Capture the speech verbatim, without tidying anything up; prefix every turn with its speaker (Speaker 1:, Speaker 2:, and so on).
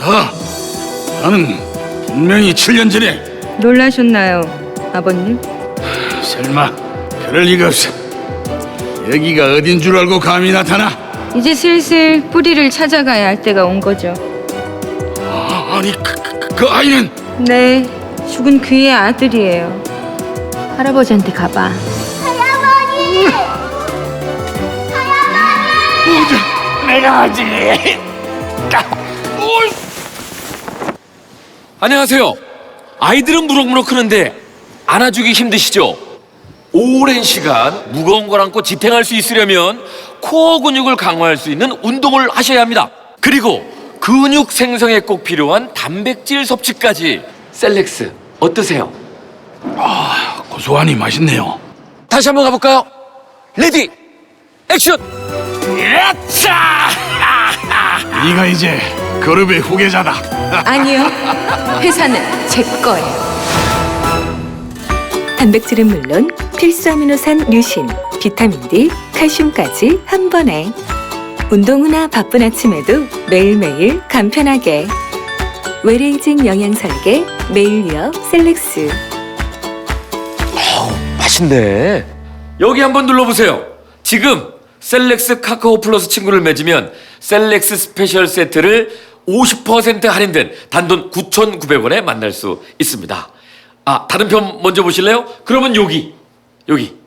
Speaker 1: 가. 나는 분명히 칠 년 전에.
Speaker 2: 놀라셨나요, 아버님?
Speaker 1: 설마 그럴 리가 없어. 여기가 어딘 줄 알고 감히 나타나?
Speaker 2: 이제 슬슬 뿌리를 찾아가야 할 때가 온 거죠.
Speaker 1: 아, 아니 그, 그, 그 아이는.
Speaker 2: 네, 죽은 그의 아들이에요. 할아버지한테 가봐.
Speaker 1: 뭐죠? 내가 하지.
Speaker 3: 안녕하세요. 아이들은 무럭무럭 크는데 안아주기 힘드시죠? 오랜 시간 무거운 걸 안고 지탱할 수 있으려면 코어 근육을 강화할 수 있는 운동을 하셔야 합니다. 그리고 근육 생성에 꼭 필요한 단백질 섭취까지. 셀렉스 어떠세요?
Speaker 1: 아, 고소하니 맛있네요.
Speaker 3: 다시 한번 가볼까요? 레디 액션!
Speaker 1: 야차! 네가 이제 그룹의 후계자다.
Speaker 2: 아니요, 회사는 제 거예요.
Speaker 4: 단백질은 물론 필수 아미노산 류신, 비타민 D, 칼슘까지 한 번에. 운동 후나 바쁜 아침에도 매일매일 간편하게. 외래이직 영양 설계 매일 위어 셀렉스.
Speaker 3: 맛있네. 여기 한번 눌러보세요. 지금 셀렉스 카카오 플러스 친구를 맺으면 셀렉스 스페셜 세트를 오십 퍼센트 할인된 단돈 구천구백 원에 만날 수 있습니다. 아, 다른 편 먼저 보실래요? 그러면 여기, 여기.